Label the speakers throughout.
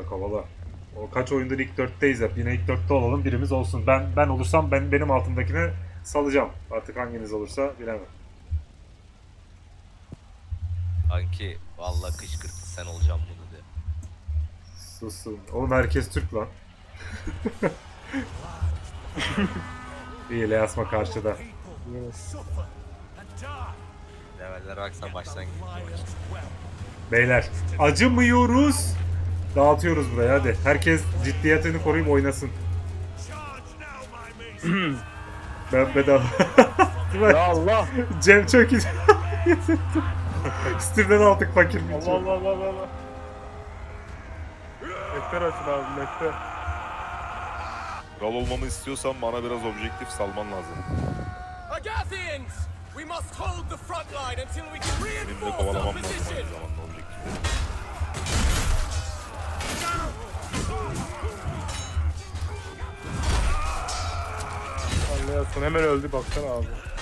Speaker 1: kovala. O kaç oyundur ilk 4'teyiz hep. Yine ilk 4'te olalım, birimiz olsun. Ben olursam benim altımdakine salacağım. Artık hanginiz olursa bilemem.
Speaker 2: Kanki vallahi kışkırttı sen olacağım bunu de.
Speaker 1: Susun. Oğlum herkes Türk lan. İyi, Leasma karşıda.
Speaker 2: Leveller baksan baştan gidiyor.
Speaker 1: Beyler acımıyoruz. Dağıtıyoruz buraya hadi. Herkes ciddiyetini koruyup oynasın. Ben bedava.
Speaker 3: Ya Allah.
Speaker 1: Cem çok iyi. Steam'den aldık fakir bir
Speaker 3: Allah Allah Allah Allah. Mekter açın abi mekter.
Speaker 4: Kral olmamı istiyorsan bana biraz objektif salman lazım.
Speaker 5: Agathians! We must hold the front line until we can
Speaker 4: Benim de
Speaker 5: reinforce our
Speaker 4: kovalamam lazım
Speaker 5: position.
Speaker 4: aynı zamanda objektifleri.
Speaker 3: Anlayasın hemen öldü baksana abi.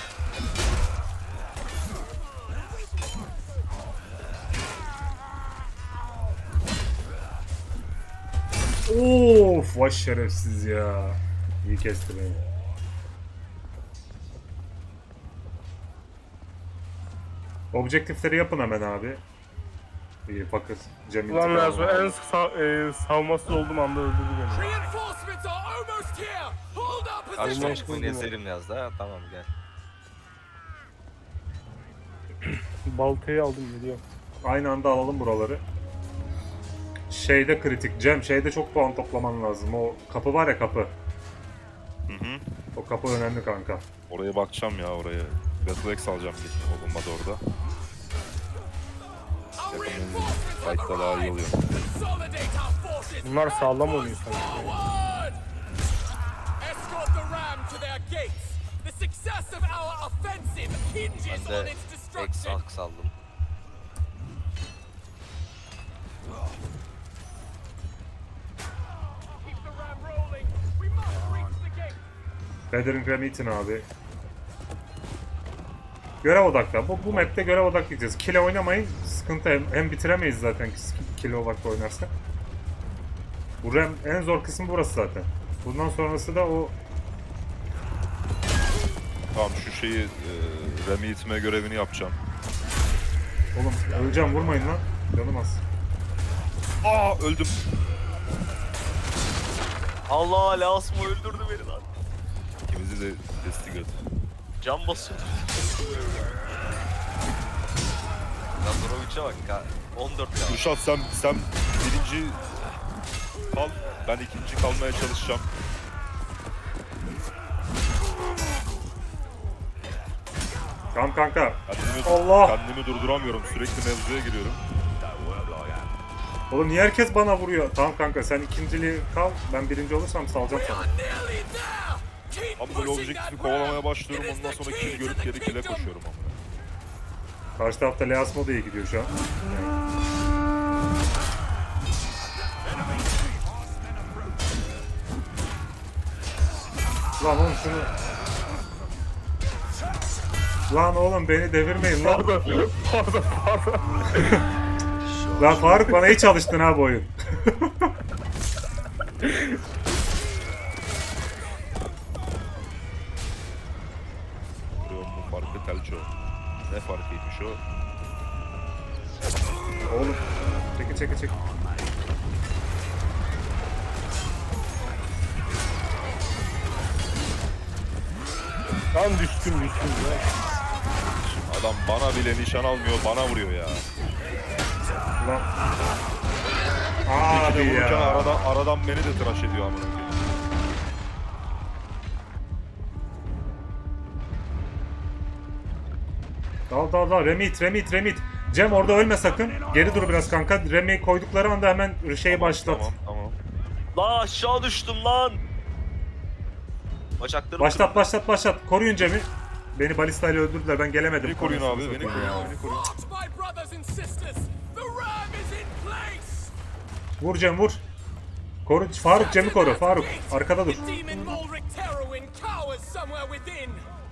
Speaker 1: Of, vay şerefsiz ya. İyi kesti beni. Objektifleri yapın hemen abi. İyi fakir. Cem
Speaker 3: Ulan
Speaker 1: intikam
Speaker 3: lazım
Speaker 1: aldı.
Speaker 3: en savunmasız olduğum anda öldürdü beni.
Speaker 5: Reinforcements are almost here! Hold our
Speaker 2: Karşıma
Speaker 5: position!
Speaker 2: çıkmayı ezerim yaz da tamam gel.
Speaker 3: Baltayı aldım geliyor.
Speaker 1: Aynı anda alalım buraları. Şeyde kritik. Cem şeyde çok puan toplaman lazım. O kapı var ya, kapı.
Speaker 4: Hı hı.
Speaker 1: O kapı önemli kanka.
Speaker 4: Oraya bakacağım ya oraya. Battle alacağım bir olmadı orada.
Speaker 5: Our
Speaker 4: Yakın
Speaker 5: reinforcements have
Speaker 4: fight'ta daha iyi
Speaker 5: arrived!
Speaker 4: oluyor.
Speaker 5: Consolidate our forces!
Speaker 3: Bunlar sağlam oynuyor sanki.
Speaker 5: Forward! Escort the ram to their gates! The success of our offensive hinges
Speaker 2: Ben
Speaker 5: on
Speaker 2: de
Speaker 5: its
Speaker 2: ek
Speaker 5: destruction!
Speaker 2: saldım.
Speaker 5: Keep the ram rolling! We must reach the gate!
Speaker 1: Feathering Remington abi. Görev odaklı. Bu map'te görev odaklı gideceğiz. Kile oynamayın. Sıkıntı, hem bitiremeyiz zaten kile odaklı oynarsak. Bu ram en zor kısmı burası zaten. Bundan sonrası da o
Speaker 4: Tamam şu şeyi Remi itme görevini yapacağım.
Speaker 1: oğlum öleceğim, vurmayın lan. Canım az.
Speaker 4: Aa öldüm.
Speaker 2: Allah Lasmo öldürdü beni lan.
Speaker 4: İkimizi de destek et.
Speaker 2: Can basıyor. Nazorovic'e bak 14 ya.
Speaker 4: Kürşat sen birinci kal. Ben ikinci kalmaya çalışacağım.
Speaker 1: Tamam kanka.
Speaker 4: Kendimi,
Speaker 1: Allah!
Speaker 4: kendimi durduramıyorum. Sürekli mevzuya giriyorum.
Speaker 1: Oğlum niye herkes bana vuruyor? Tamam kanka, sen ikinciliği kal. Ben birinci olursam salacağım sana.
Speaker 5: Nearly there! Keep
Speaker 4: Ama böyle
Speaker 5: pushing
Speaker 4: objektifi
Speaker 5: that
Speaker 4: kovalamaya
Speaker 5: ram!
Speaker 4: başlıyorum.
Speaker 5: It is
Speaker 4: Ondan
Speaker 5: the
Speaker 4: sonra
Speaker 5: key
Speaker 4: kill
Speaker 5: to
Speaker 4: görüp
Speaker 5: the
Speaker 4: geri kill'e
Speaker 5: kingdom!
Speaker 4: koşuyorum ama.
Speaker 1: Karşı tarafta Leasmo da iyi gidiyor şu an. Lan oğlum şunu... Lan oğlum beni devirmeyin lan.
Speaker 3: Pardon.
Speaker 1: Lan Faruk, bana hiç alıştın ha bu oyun.
Speaker 4: Vuruyorum bu farkı telço. Ne farkıymış o?
Speaker 1: Oğlum çekil.
Speaker 3: Lan düştüm ya.
Speaker 4: Adam bana bile nişan almıyor, bana vuruyor ya.
Speaker 1: Lan.
Speaker 4: Bir
Speaker 1: Abi
Speaker 4: de vururken
Speaker 1: ya.
Speaker 4: aradan beni de tıraş ediyor amına koyayım.
Speaker 1: Dal. Remit. Cem orada ölme sakın. Geri dur biraz kanka. Rem'i koydukları anda hemen şeyi başlat.
Speaker 4: Tamam.
Speaker 2: La aşağı düştüm lan. Bacaklarım
Speaker 1: Başlat. Koruyun Cem'i. Beni balistayla öldürdüler. Ben gelemedim.
Speaker 4: Beni koruyun abi, beni koruyun.
Speaker 5: Fought, my brothers and sisters! The ram is in place!
Speaker 1: Vur Cem, vur. Koru. Faruk, Cem'i koru. Faruk. Arkada dur.
Speaker 5: The demon Molric Terowin cowers somewhere within!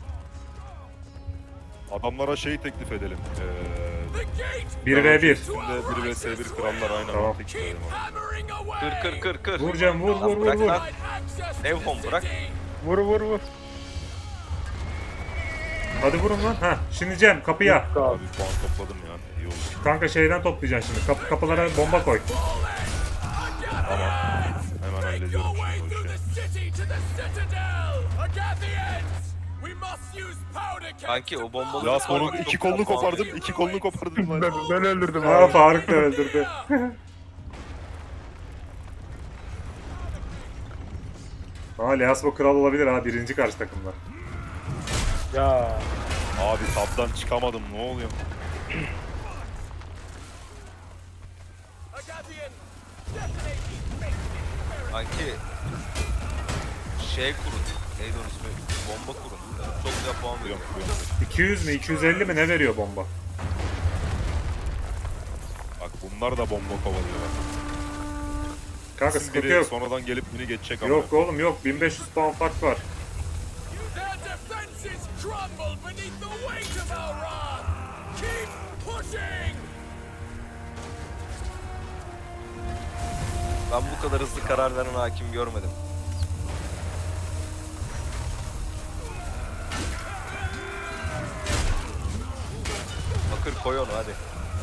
Speaker 4: Adamlara şey teklif edelim.
Speaker 5: The gate!
Speaker 1: 1v1.
Speaker 4: Üstünde 1 vs 1 krallar aynı
Speaker 1: Tamam.
Speaker 4: anda teklif
Speaker 5: Keep
Speaker 4: edelim.
Speaker 5: hammering
Speaker 2: Kır kır kır kır.
Speaker 1: Vur Cem, vur
Speaker 2: Lan
Speaker 1: vur vur
Speaker 2: bırak
Speaker 1: vur.
Speaker 2: lan. Evhom bırak.
Speaker 3: Vur vur vur.
Speaker 1: Hadi vurun lan. Ha, şimdi Cem kapıya.
Speaker 3: Abi.
Speaker 4: Abi puan topladım ya. İyi oldu.
Speaker 1: Kanka şeyden toplayacaksın şimdi. Kapılara bomba koy.
Speaker 4: Tamam. Hemen hallediyorum şimdi o
Speaker 5: through
Speaker 4: işi.
Speaker 5: the city to the citadel. Agathians, we must use powder kegs
Speaker 2: Kanki
Speaker 5: to
Speaker 2: o bombalı.
Speaker 4: Ya sonun iki kolunu kopardım. İki kolunu kopardım
Speaker 3: Ben,
Speaker 4: lan.
Speaker 3: ben öldürdüm
Speaker 1: Aa,
Speaker 3: abi.
Speaker 1: Faruk da öldürdü. Aa, Leasmo kral olabilir ha. Birinci karşı takımda.
Speaker 3: Ya.
Speaker 4: Abi tabdan çıkamadım. Ne oluyor?
Speaker 5: Agathian, detonate these maces.
Speaker 2: Kanki şey kurun. Neydi onun ismi? Bomba kurun. Çok güzel puan veriyor.
Speaker 4: Yok, yok.
Speaker 1: 200 mi 250 mi ne veriyor bomba?
Speaker 4: Bak bunlar da bomba kovalıyorlar.
Speaker 1: Kanka
Speaker 4: Siz
Speaker 1: sıkıntı
Speaker 4: biri
Speaker 1: yok.
Speaker 4: sonradan gelip beni geçecek ama.
Speaker 1: Yok oğlum yok. 1500 puan fark var.
Speaker 5: Their defenses crumble beneath the weight of our wrath. Keep pushing.
Speaker 2: Ben bu kadar hızlı karar veren hakim görmedim. Bakır koy onu hadi.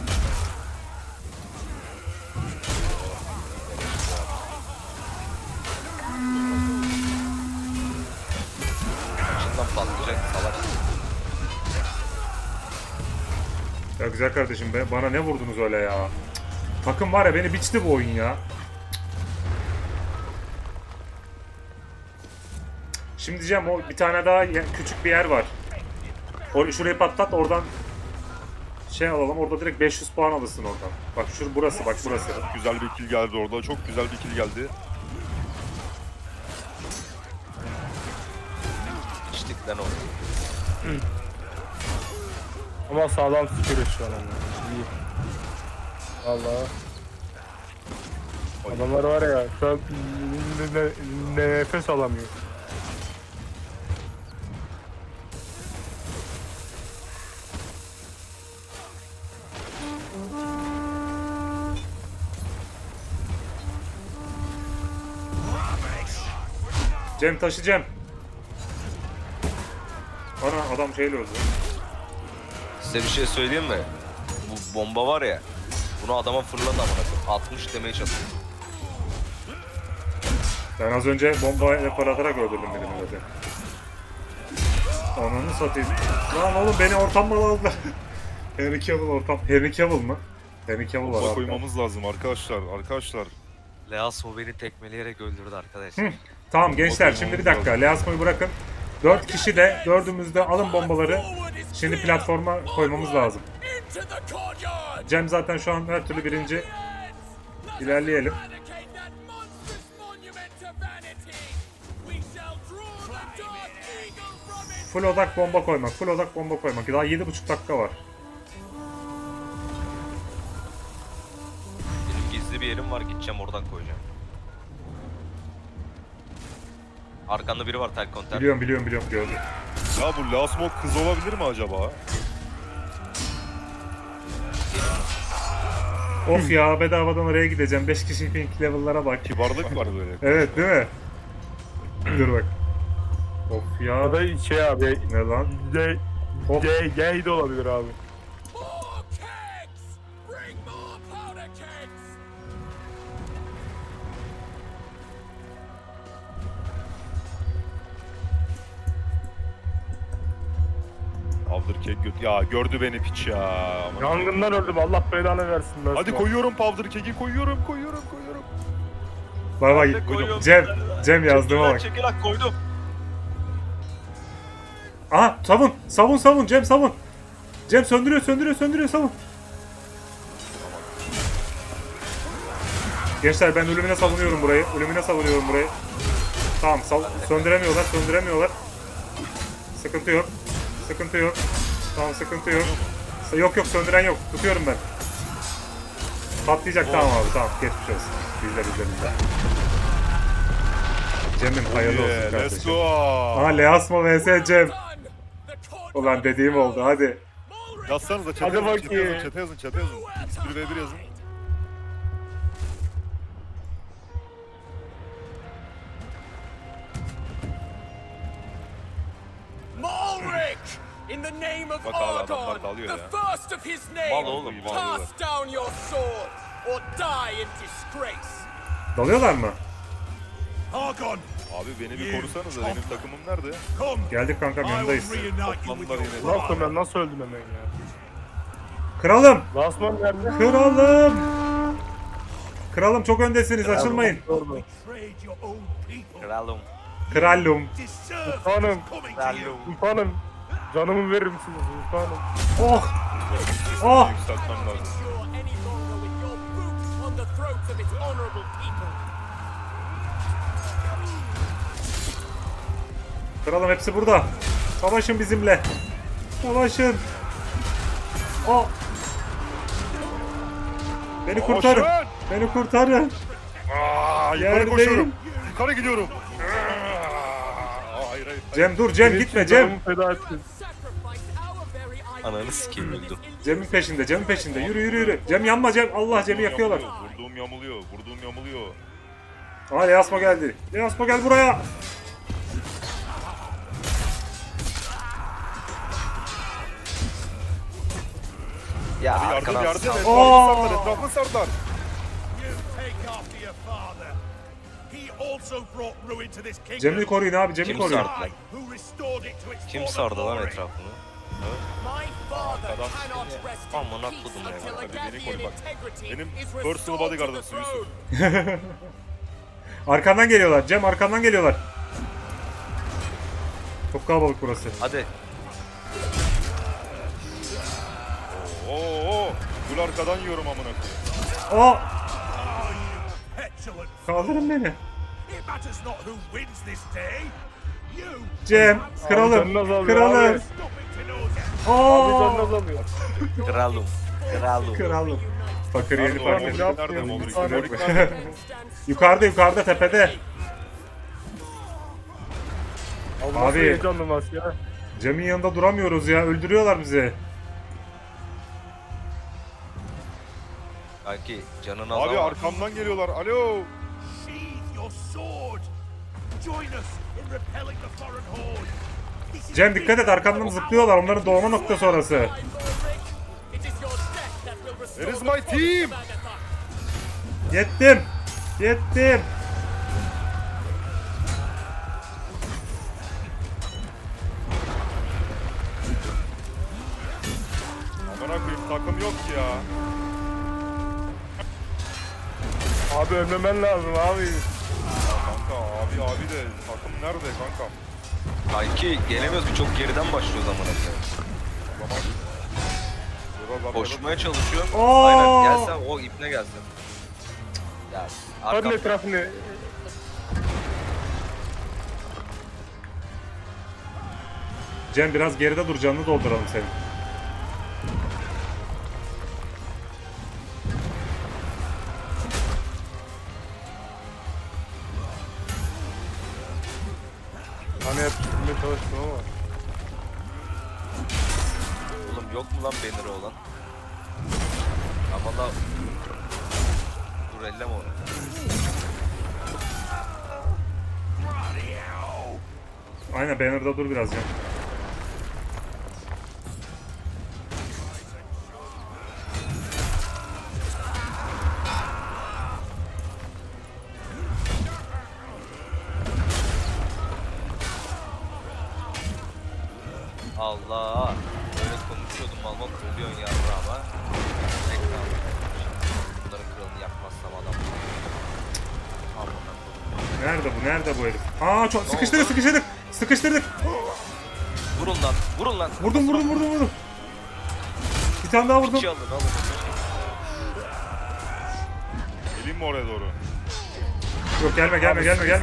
Speaker 2: İçinden patlayacak salak.
Speaker 1: Ya güzel kardeşim bana ne vurdunuz öyle ya? Cık. Takım var ya beni biçti bu oyun ya. Şimdi diyeceğim o bir tane daha küçük bir yer var. Şurayı patlat oradan şey alalım orada direkt 500 puan alırsın oradan. Bak burası bak burası.
Speaker 4: Güzel bir kill geldi orada. Çok güzel bir kill geldi.
Speaker 2: İçtik lan onu.
Speaker 3: Ama sağlam sıkıyor şu an ama. İyi. Valla. Adamlar var ya şu an nefes alamıyor.
Speaker 1: Cem taşı Cem. Ana adam şeyle öldü.
Speaker 2: Size bir şey söyleyeyim mi? Bu bomba var ya. Bunu adama fırladı amına koyayım. 60 demeye çalışıyor.
Speaker 1: Ben az önce bombayla paratarak öldürdüm birini zaten. Ananı satayım. Lan oğlum beni ortam mal aldılar. Henry Cavill ortam. Henry Cavill mı? Henry Cavill var
Speaker 4: Bomba
Speaker 1: abi.
Speaker 4: koymamız lazım arkadaşlar. Arkadaşlar.
Speaker 2: Leasmo beni tekmeleyerek öldürdü arkadaş.
Speaker 1: Tamam gençler
Speaker 4: Bakın,
Speaker 1: şimdi bir
Speaker 4: olmaz
Speaker 1: dakika.
Speaker 4: lazım.
Speaker 1: Leasmo'yu bırakın. 4 kişi de dördümüzde alın bombaları. Şimdi platforma koymamız lazım.
Speaker 5: Into the courtyard.
Speaker 1: Cem zaten şu an her türlü birinci. İlerleyelim.
Speaker 5: Eradicate that monstrous monument to vanity. We shall draw the dark eagle from its
Speaker 1: Full odak bomba koymak. Full odak bomba koymak. Daha 7,5 dakika var.
Speaker 2: Benim gizli bir yerim var, gideceğim oradan koyacağım. Arkanda biri var, tel konter.
Speaker 1: Biliyorum gördüm.
Speaker 4: Ya bu Lasmo kız olabilir mi acaba?
Speaker 1: Of ya bedavadan oraya gideceğim. 5 kişi pink level'lara bak.
Speaker 4: Kibarlık var böyle.
Speaker 1: Evet değil mi? Dur bak. Of ya.
Speaker 3: Ya da şey abi.
Speaker 1: Ne lan? Hop.
Speaker 3: Gay de olabilir abi.
Speaker 5: more kegs. Bring more powder kegs.
Speaker 4: Powder keg göt. Ya gördü beni piç ya. Aman.
Speaker 3: Yangından öldüm Allah belanı versin. ben
Speaker 4: Hadi
Speaker 3: sana.
Speaker 4: koyuyorum powder keg'i koyuyorum.
Speaker 1: Bay bay.
Speaker 2: Ben de koyuyorum.
Speaker 1: Cem yazdığıma bak.
Speaker 2: Çekil lan, koydum.
Speaker 1: Aha savun Cem savun. Cem söndürüyor savun. Gençler ben ölümüne savunuyorum burayı. Tamam söndüremiyorlar. Sıkıntı yok. Tamam sıkıntı yok. Yok söndüren yok. Tutuyorum ben. Patlayacak tamam abi tamam geçmiş olsun. Bizde. Cem'im hayırlı olsun
Speaker 4: Yeah, let's
Speaker 1: kardeşim.
Speaker 4: go.
Speaker 1: Aha Leasmo vs Cem.
Speaker 5: Done. The courtyard
Speaker 1: Ulan dediğim oldu hadi.
Speaker 4: Yazsanıza
Speaker 3: Hadi bakayım.
Speaker 4: chat'e yazın. 1v1 yazın.
Speaker 5: In the name of
Speaker 4: Bak abi, adamlar
Speaker 5: Argon,
Speaker 4: dalıyor
Speaker 5: the
Speaker 4: ya.
Speaker 5: first of his
Speaker 2: Mal
Speaker 5: name,
Speaker 2: oğlum, mal.
Speaker 5: cast down your sword or die in disgrace.
Speaker 1: Dalıyorlar mı?
Speaker 6: Argon,
Speaker 4: Abi beni bir korusanıza, benim takımım nerede?
Speaker 6: come.
Speaker 1: Geldik kankam,
Speaker 6: I will
Speaker 1: yanındayız.
Speaker 6: reunite you with
Speaker 4: Toplandılar
Speaker 6: your
Speaker 4: yine.
Speaker 3: Lan
Speaker 6: brother.
Speaker 3: ben nasıl öldüm hemen ya?
Speaker 1: Kralım!
Speaker 3: Lastman nerede?
Speaker 1: Kralım! Kralım çok öndesiniz, açılmayın.
Speaker 3: Orada.
Speaker 6: Betrayed your own people.
Speaker 2: Kralım.
Speaker 1: Kralum.
Speaker 6: Deserve
Speaker 3: Sultanım.
Speaker 6: what's coming to you.
Speaker 3: Sultanım. Canımı verir misiniz sultanım?
Speaker 1: Oh! Oh!
Speaker 4: Yükseltmem lazım.
Speaker 5: Endure any longer with your boots on the throats of its honorable people.
Speaker 1: Kralım hepsi burada. Savaşın bizimle. Savaşın. Oh! Beni kurtarın.
Speaker 4: Savaşın!
Speaker 1: Beni kurtarın.
Speaker 4: Aa, yukarı
Speaker 1: Yerdeyim.
Speaker 4: koşuyorum. Yukarı gidiyorum. Hayır hayır.
Speaker 1: Cem dur Cem,
Speaker 3: Benim
Speaker 1: gitme
Speaker 3: için
Speaker 1: Cem.
Speaker 3: canımı feda ettin.
Speaker 5: Sacrifice our very
Speaker 2: Ananı sikeyim, öldüm.
Speaker 1: Cem'in peşinde, Cem'in peşinde. Yürü yürü yürü. Cem yanma Cem. Allah Cem'i yakıyorlar.
Speaker 4: Vurduğum yamuluyor. Vurduğum yamuluyor.
Speaker 1: Aa Leasmo geldi. Leasmo gel buraya.
Speaker 2: Ya
Speaker 4: Yardım
Speaker 2: arkadan
Speaker 4: yardım.
Speaker 2: sal.
Speaker 4: Etrafını sardılar.
Speaker 6: You take after your father. He also brought ruin to this kingdom.
Speaker 1: Cem'i koruyun abi, Cem'i
Speaker 2: Kim
Speaker 1: koruyun.
Speaker 2: sardı?
Speaker 6: I, who restored it to its
Speaker 2: Kim
Speaker 6: former
Speaker 2: sardı lan
Speaker 6: glory.
Speaker 2: etrafını?
Speaker 5: My father
Speaker 4: Arkadan
Speaker 5: cannot rest
Speaker 2: Amına
Speaker 5: in peace
Speaker 2: kodum ya.
Speaker 5: until
Speaker 4: Hadi beni
Speaker 5: Agathian
Speaker 4: koru bak.
Speaker 5: integrity
Speaker 4: Benim
Speaker 5: is
Speaker 4: personal
Speaker 5: restored to the
Speaker 4: bodyguardımsın Yusuf.
Speaker 5: throne.
Speaker 1: Arkandan geliyorlar. Cem arkandan geliyorlar. Çok kalabalık burası.
Speaker 2: Hadi.
Speaker 4: Oo. Gül arkadan yiyorum amına koyayım.
Speaker 1: Aa!
Speaker 6: Petulant.
Speaker 1: Kaldırın beni.
Speaker 6: It matters not who wins this day. You.
Speaker 1: Cem, kralım,
Speaker 3: canını azalıyor
Speaker 1: kralım.
Speaker 3: abi.
Speaker 6: Stopping to know that.
Speaker 3: Abi
Speaker 1: Aa!
Speaker 3: canını azalıyor.
Speaker 2: Kralım. Kralım.
Speaker 1: Kralım. Fakir yeni
Speaker 4: Nerede o?
Speaker 1: fark
Speaker 4: Morik
Speaker 1: etti.
Speaker 4: nerede? Morik
Speaker 3: Abi.
Speaker 4: Morik nerede?
Speaker 1: Yukarıda yukarıda tepede.
Speaker 3: Abi nasıl
Speaker 1: Abi.
Speaker 3: heyecanlı maç ya?
Speaker 1: Cem'in yanında duramıyoruz ya. Öldürüyorlar bizi.
Speaker 2: Kanki canını
Speaker 4: Abi
Speaker 2: azalma.
Speaker 4: arkamdan geliyorlar. Alo.
Speaker 6: Sheathe your sword. Join us in repelling the foreign horde. This is
Speaker 1: Cem dikkat et, arkamdan zıplıyorlar. Onların doğma noktası orası.
Speaker 5: It is your death that will restore
Speaker 4: Where is
Speaker 5: the
Speaker 4: my
Speaker 5: province
Speaker 4: team?
Speaker 5: of Agatha.
Speaker 1: Yettim. Yettim.
Speaker 4: Amına koyayım, takım yok ki ya.
Speaker 3: Abi ölmemen lazım abi.
Speaker 4: Kanka abi de takım nerede kanka?
Speaker 2: Kanki gelemiyoruz ki, çok geriden başlıyoruz amına koyayım.
Speaker 4: Zaman. Biraz
Speaker 2: Koşmaya çalışıyorum.
Speaker 1: Oo!
Speaker 2: Aynen, gelsen o ipne gelsin. Ya
Speaker 3: Hadi
Speaker 2: arkam.
Speaker 3: etrafını.
Speaker 1: Cem biraz geride dur, canını dolduralım senin.
Speaker 3: Hani hep tutmaya çalıştım ama.
Speaker 2: Oğlum yok mu lan banner'ı olan? Ama da dur, elleme onu.
Speaker 1: Aynen, banner'da dur biraz Cem.
Speaker 2: Allah. Böyle konuşuyordum, mal ölüyorsun yarra ama. Tekrar. Bunların kralını yapmazsam adam. Amına koyayım.
Speaker 1: Nerede bu? Nerede bu herif? Aa çok sıkıştırdık, sıkıştırdık. Sıkıştırdık.
Speaker 2: Vurun lan, vurun lan.
Speaker 1: Vurdum. Bir tane daha vurdum.
Speaker 2: İki alın, alın.
Speaker 4: Geleyim mi oraya doğru?
Speaker 1: Yok gelme.
Speaker 4: Al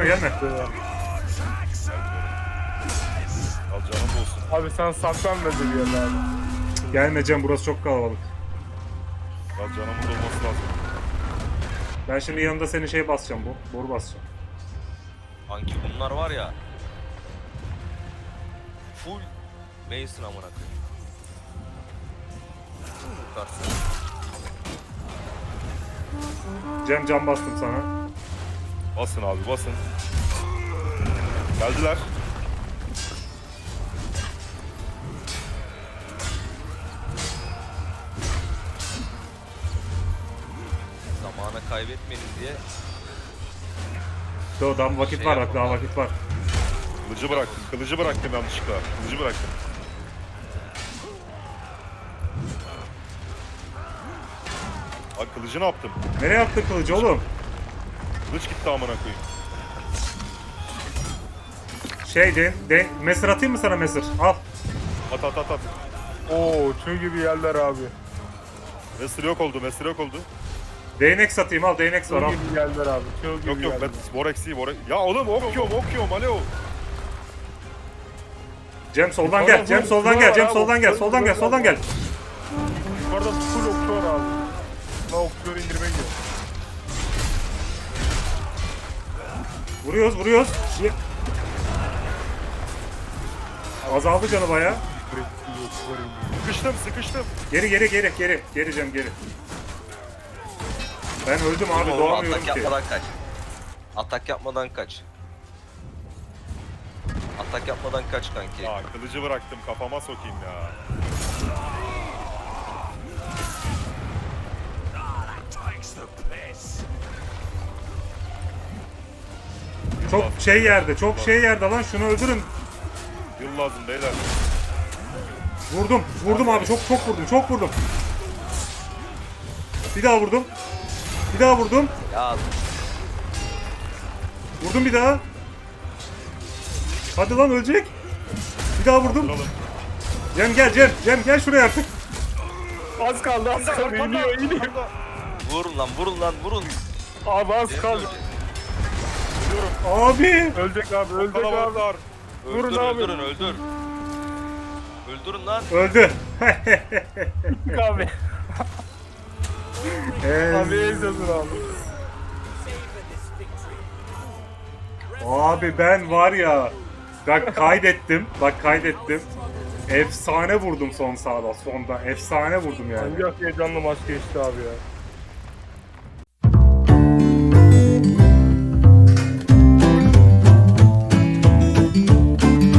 Speaker 4: canım da olsun.
Speaker 3: Abi sen saklan bence bir yerine abi.
Speaker 1: Gelme Cem, burası çok kalabalık.
Speaker 4: Al canımın da olması lazım.
Speaker 1: Ben şimdi yanında senin şey basacağım, boru basacağım.
Speaker 2: Kanki bunlar var ya. Full Mason amına koyayım. Yukarısı.
Speaker 1: Cem can bastım sana.
Speaker 4: Basın abi basın. Geldiler.
Speaker 2: kaybetmeyelim diye.
Speaker 1: Daha vakit
Speaker 2: Şey
Speaker 1: var bak,
Speaker 2: yapalım
Speaker 1: daha
Speaker 2: abi.
Speaker 1: vakit var.
Speaker 4: Kılıcı bıraktım. Kılıcı bıraktım yanlışlıkla. Kılıcı bıraktım. Abi kılıcı ne yaptım?
Speaker 1: Nereye attın kılıcı oğlum?
Speaker 4: Kılıç gitti amına koyayım.
Speaker 1: Mesir atayım mı sana mesir? Al.
Speaker 4: At at at at.
Speaker 3: Oo çığ gibi yerler abi.
Speaker 4: Mesir yok oldu. Mesir yok oldu.
Speaker 1: Değnek satayım, al değnek
Speaker 3: Çığ
Speaker 1: var al.
Speaker 3: gibi yerler abi. Çığ gibi
Speaker 4: Yok yok
Speaker 3: yerler.
Speaker 4: ben Vorexi'yi Ya oğlum okuyorum alo.
Speaker 1: Cem soldan gel, Cem soldan gel, Cem soldan gel, soldan gel, soldan gel.
Speaker 3: Yukarıda full okçu var abi. Ben okçuları indirmeye gidiyorum.
Speaker 1: Vuruyoruz, vuruyoruz. Azaldı canı baya.
Speaker 4: Sıkıştım.
Speaker 1: Geri Cem geri. Ben öldüm abi,
Speaker 2: Oğlum,
Speaker 1: doğamıyorum
Speaker 2: atak
Speaker 1: ki.
Speaker 2: yapmadan kaç. Atak yapmadan kaç. Atak yapmadan kaç kanki.
Speaker 4: Ya kılıcı bıraktım kafama sokayım ya.
Speaker 6: Takes the piss.
Speaker 1: Çok şey yerde lan, şunu öldürün.
Speaker 4: Yıl lazım beyler.
Speaker 1: Vurdum abi, çok vurdum. Bir daha vurdum.
Speaker 2: Ya
Speaker 1: Vurdum bir daha. Hadi lan ölecek. Bir daha vurdum.
Speaker 4: Duralım.
Speaker 1: Cem gel şuraya artık.
Speaker 3: Az kaldı. İniyor.
Speaker 2: vurun lan vurun.
Speaker 3: Abi az
Speaker 2: Cem
Speaker 3: kaldı.
Speaker 2: ölecek.
Speaker 1: Abi.
Speaker 3: Ölecek abi.
Speaker 4: Kalabalıklar.
Speaker 3: Vurun
Speaker 2: Öldür,
Speaker 3: abi.
Speaker 2: Öldürün lan.
Speaker 1: Öldü.
Speaker 3: Abi. Abi ezildin abi.
Speaker 5: Savor this victory.
Speaker 1: Abi ben var ya. Bak kaydettim. Efsane vurdum sonda. Efsane vurdum yani.
Speaker 3: Hangi heyecanlı maç geçti abi ya.